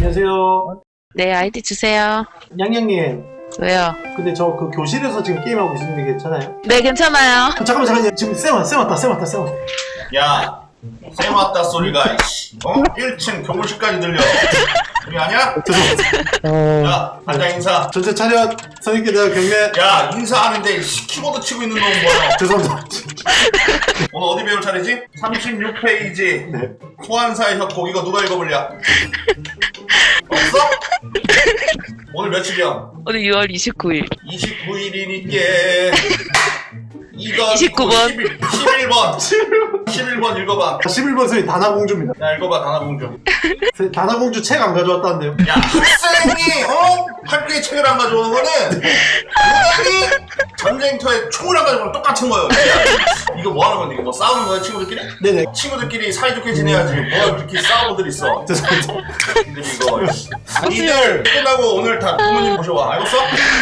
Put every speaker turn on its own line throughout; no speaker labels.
안녕하세요.
네, 아이디 주세요.
양양님.
왜요?
근데 저 그 교실에서 지금 게임하고 있는데 괜찮아요?
네, 괜찮아요.
잠깐만. 지금 쌤 왔다.
야, 쌤 왔다 소리가 1층 교무실까지 들려. 우리 아냐?
죄송합니다.
야, 반장 인사.
전체 차렷. 선생님께 대한 경례.
야, 인사하는데 키보드 치고 있는 놈 뭐야?
죄송합니다.
오늘 어디 배울 차례지? 36페이지.
네.
소환사의 협곡. 이거 누가 읽어볼랴? 없어? 오늘 며칠이야?
오늘 6월 29일.
29일이니까 이거
29번.
11번 11번 읽어봐.
11번 선생님 다나공주입니다.
야, 읽어봐. 다나공주.
다나공주 책 안 가져왔다는데요.
야, 학생이 학교에 책을 안 가져오는 거는 당연히 전쟁터에 총을 안 가져오는 거랑 똑같은 거예요. 야, 이거 뭐 하는 건데? 이거 뭐 싸우는 거야, 친구들끼리?
네네.
친구들끼리 사이좋게 지내야지. 뭐 그렇게 싸우고들 있어.
죄송합니다.
니들 이거. 니들 끝나고 오늘 다 부모님 모셔와. 알겠어?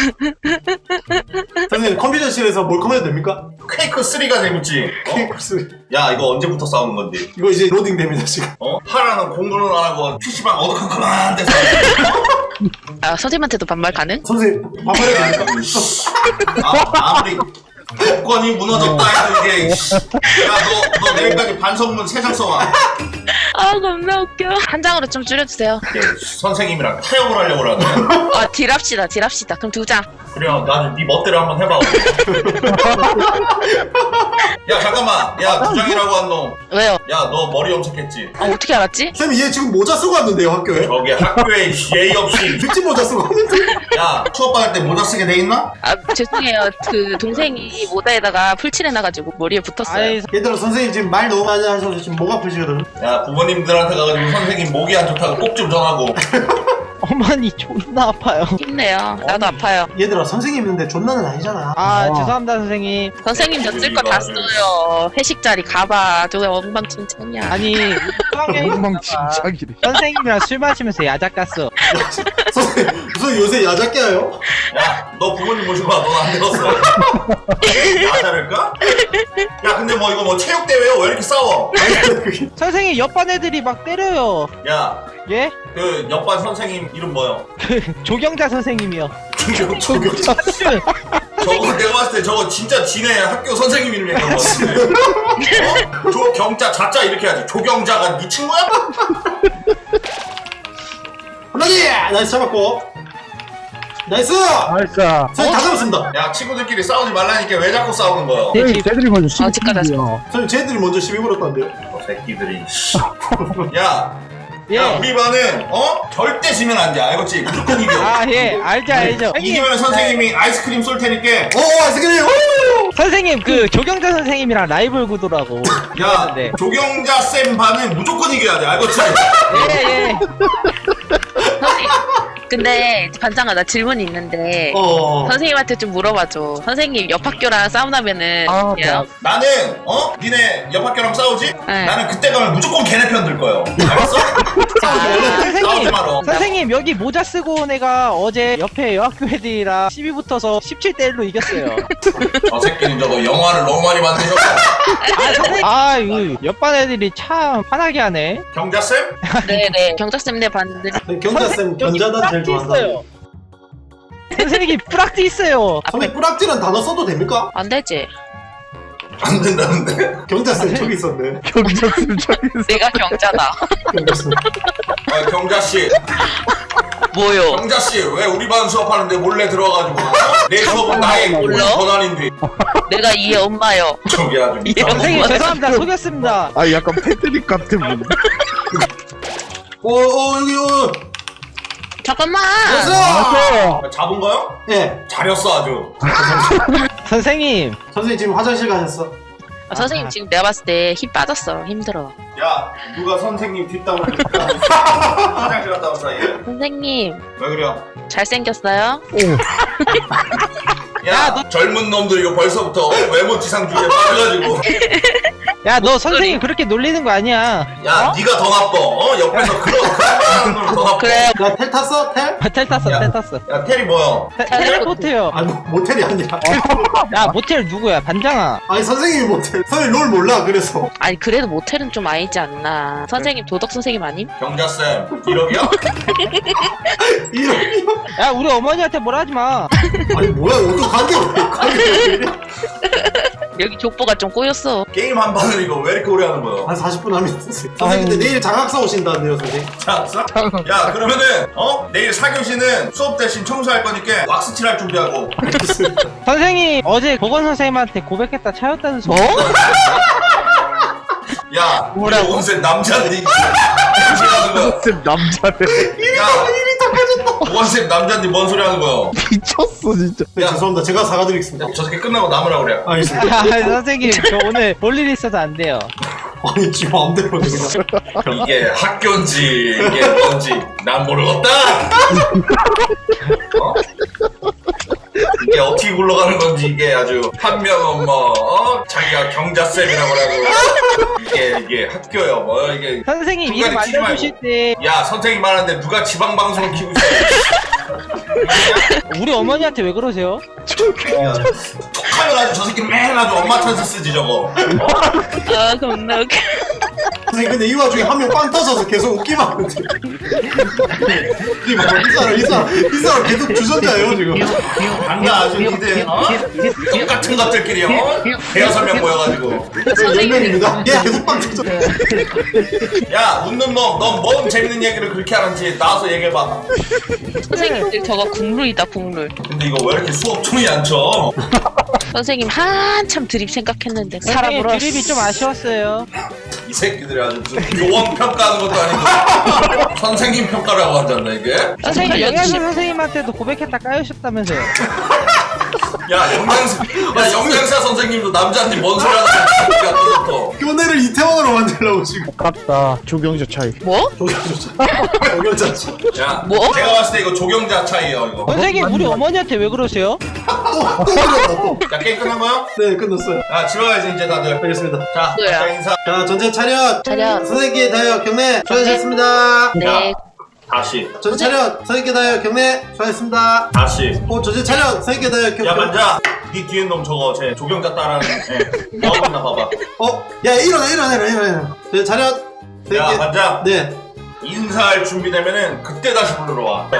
선생님 컴퓨터실에서 몰컴 해도 됩니까?
퀘이크 3가 재밌지?
케이크스.
야, 이거 언제부터 싸우는 건데?
이거 이제 로딩 됩니다 지금.
하라는 공부는 안 하고 PC방 어두컴컴한 데서.
아, 선생님한테도 반말 가능?
선생님 반말해도 됩니까?
아무리 조건이 무너졌다 해도 이게 야, 너 내일까지 반성문 3장 써와.
아, 겁나 웃겨. 한 장으로 좀 줄여주세요.
선생님이랑 타협을 하려고 그러네.
아, 딜합시다. 그럼 2장.
그래, 나는 네 멋대로 한번 해봐. 야, 잠깐만. 야, 부장이라고 한 놈.
왜요?
야, 너 머리 염색했지?
아, 어떻게 알았지?
쌤 얘 지금 모자 쓰고 왔는데요 학교에?
저게 학교에 예의 없이.
특집 모자 쓰고 왔는데?
야, 수업받을 때 모자 쓰게 돼 있나?
아, 죄송해요. 그 동생이 모자에다가 풀칠해놔가지고 머리에 붙었어요.
얘들아 선생님 지금 말 너무 많이 하셔서 지금 목 아프시거든.
야, 부모님들한테 가가지고 선생님 목이 안 좋다고 꼭 좀 전하고.
어머니 존나 아파요.
힘내요. 나도 아파요.
얘들아 선생님 있는데 존나는 아니잖아.
죄송합니다 선생님.
선생님 저 쓸 거 다 써요. 회식 자리 가봐. 저거 엉망진창이야.
아니
엉망진창이래.
선생님이랑 술 마시면서 야자 깠어.
선생님 무슨 요새 야자깨 해요?
야, 너 부모님 모시고 와. 넌 안 되었어. 야자를까? 야, 근데 뭐 이거 뭐 체육대회요? 왜 이렇게 싸워?
선생님 옆반 애들이 막 때려요.
야,
예?
그 옆반 선생님 이름 뭐요?
조경자 선생님이요.
조교자.
저거 내가 봤을 때 저거 진짜 지네 학교 선생님 이름인 것 같은데. 조경자 자자 이렇게 해야지. 조경자가 네 친구야?
한마디! 나이스 잡았고. 나이스!
알싸.
선생님 다 잡았습니다.
야, 친구들끼리 싸우지 말라니까 왜 자꾸 싸우는 거야?
쟤들이 먼저
집 가자.
선생님 쟤들이 먼저 시비 걸었다는데요.
저 새끼들이. 야,
예.
야, 우리 반은 절대 지면 안 돼. 알겠지? 무조건 이겨.
예. 알죠.
이기면 선생님이 아이스크림 쏠 테니까.
오 아이스크림! 오!
선생님 그 조경자 선생님이랑 라이벌 구도라고.
야,
네.
조경자 쌤 반은 무조건 이겨야 돼. 알겠지?
예.
선생님. 근데 반장아 나 질문이 있는데 선생님한테 좀 물어봐줘. 선생님 옆 학교랑 싸움나면은 야.
나는 니네 옆 학교랑 싸우지?
네.
나는 그때 가면 무조건 걔네 편 들 거예요. 알았어? 싸우지 마라.
선생님 여기 모자 쓰고 온 애가 어제 옆에 여학교 애들이랑 시비 붙어서 17대 1로 이겼어요.
저 새끼는 저거 영화를 너무 많이 만드셨어.
이거 옆반 애들이 참 화나게 하네.
경자 쌤?
네네 경자쌤네 반들.
경자쌤 견자단 제일 좋아한다.
선생님이 뿌락지 있어요.
선생님 뿌락지란 단어 써도 됩니까?
안 되지.
안 된다는데?
경자쌤 저기 있었네.
경자쌤 저기 있어.
내가 경자다.
경자쌤.
경자 씨,
뭐요?
경자 씨, 왜 우리 반 수업하는데 몰래 들어가지고? 내 수업은 나의
몰라?
권한인데.
내가 이의 엄마요.
저기 아주.
선생님 죄송합니다. 속였습니다.
아 약간 패드립 같은 분.
여기
잠깐만.
됐어!
잡은 거요?
예.
잘했어 아주.
선생님
선생님 지금 화장실 가셨어.
선생님 지금 내가 봤을 때 힘 빠졌어. 힘들어.
야, 누가 선생님 뒷담을 화장실 갔다 온 사이에.
선생님
왜 그래?
잘생겼어요?
야, 젊은 놈들 이거 벌써부터 외모 지상주의에 빠져가지고.
야, 너 선생님 그렇게 놀리는 거 아니야.
야, 네가 더 나빠. 옆에서 그런 놈 더 나빠.
그래.
야, 텔 탔어? 텔?
텔 탔어,
야.
텔 탔어.
야, 테리 뭐야?
텔레포트요.
아니, 모텔이 아니라.
야, 모텔 누구야? 반장아.
아니, 선생님이 모텔. 선생님 롤 몰라, 그래서.
아니 그래도 모텔은 좀 아니지 않나. 선생님 도덕 선생님 아님?
경자쌤, 기록이야?
이런.
야, 우리 어머니한테 뭐라 하지 마.
아니, 뭐야, 어떤 관계 왜 이래?
여기 족보가 좀 꼬였어.
게임 한 판을 이거 왜 이렇게 오래 하는 거야?
한 40분 하면 됐어요. 선생님, 근데 내일 장학사 오신다는데요, 선생님.
자, 야, 그러면은, 내일 4교시는 수업 대신 청소할 거니까 왁스칠 할 준비하고.
선생님, 어제 보건 선생님한테 고백했다 차였다는 소리.
야, 우리
뭐라고?
온센 남자들이. 무슨 소리 하는 거야?
쌤 남자네.
야, 보건쌤 남자인데 뭔 소리 하는 거야?
미쳤어 진짜.
네,
야.
죄송합니다. 제가 사과드리겠습니다.
저 새끼 끝나고 남으라 그래.
알겠습니다.
아, 선생님, 저 오늘 볼 일 있어서 안 돼요.
아니, 지 마음대로 그냥.
이게 학교인지 이게 뭔지 난 모르겠다. 어? 이게 어떻게 굴러가는 건지 이게 아주 한 명은 뭐 자기가 경자쌤이라고 하고 이게 학교야 뭐 이게.
선생님,
중간에
이름
튀지 말고.
알려주실 때
야, 선생님 말하는데 누가 지방 방송을 키고 있어?
우리 어머니한테 왜 그러세요?
톡하면 아주 저 새끼 맨 아주 엄마 찬스 쓰지 저거.
아 겁나 웃겨.
선생님, 근데 이 와중에 한 명 빵 터져서 계속 웃기만 하는데. 이 사람 계속 주전자예요, 지금.
장난 아주 니들 똑같은 것들끼리 대여섯 명 모여가지고.
선생님입니다. 얘 계속 빵 터져.
야, 웃는 놈, 넌 뭔 재밌는 얘기를 그렇게 하는지 나와서 얘기해봐.
선생님들 저거 국룰이다 국룰.
근데 이거 왜 이렇게 수업총이 안 쳐?
선생님 한참 드립 생각했는데
선생님,
사람으로.
드립이 좀 아쉬웠어요.
이 새끼들이 아주 무슨 교원 평가하는 것도 아니고 선생님 평가라고 한단다 이게?
선생님,
알려주시-
영양사 선생님한테도 고백했다 까유셨다면서요.
영양사 선생님도 남자인지 뭔 소리 하는 거야 또.
교내를 이태원으로 만들려고 지금.
아깝다. 조경자 차이.
뭐?
조경자.
야,
뭐?
제가 봤을 때 이거 조경자 차이에요 이거.
선생님, 우리 어머니한테 왜 그러세요?
또 그렸다, 또.
야, 게임 끝난 거야?
네, 끝났어요.
야, 집에 가야지 이제 다들.
알겠습니다.
자,
뭐야?
자 인사.
자, 전체 차렷.
차렷.
선생님께 다여 경례. 수고하셨습니다.
네.
다시.
전체 차렷. 선생님께 다여 경례. 수고하셨습니다.
다시.
전체 차렷. 선생님께 다여 경례.
야, 만자. 네 뒤에 놈 저거 제 조경자 따라하는 나오나 봐봐.
야, 일어나. 전체 차렷.
야,
선생님께.
만자.
네.
인사할 준비되면은 그때 다시 부르러 와.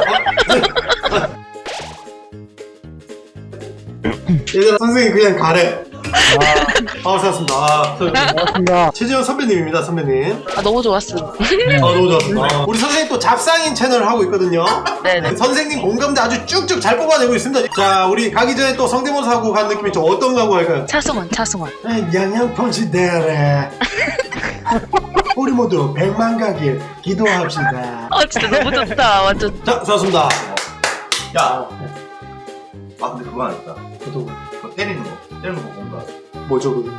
얘들아, 선생님 그냥 가래. 수고하셨습니다.
고맙습니다.
최지영 선배님입니다, 선배님.
아 너무 좋았어.
너무 좋았습니다. 우리 선생님 또 잡상인 채널을 하고 있거든요.
네네.
선생님 공감대 아주 쭉쭉 잘 뽑아내고 있습니다. 자, 우리 가기 전에 또 성대모사 하고 간 느낌이 좀 어떤 거 하고 할까요?
차승원.
영양펀치 대래. 우리 모두 100만 가길 기도합시다.
아 진짜 너무 좋다. 완전.
자, 수고하셨습니다.
야. 아, 근데 그거 아니다.
저도
그거 때리는 거 뭔가.
뭐죠, 그게?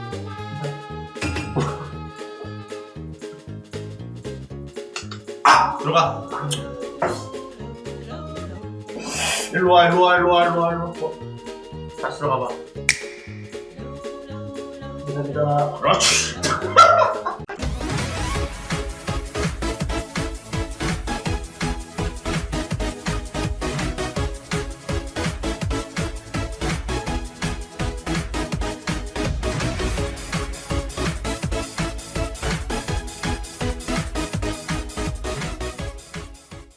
아! 들어가. 일로 와. 다시 들어가 봐. 감사합니다. 그렇지.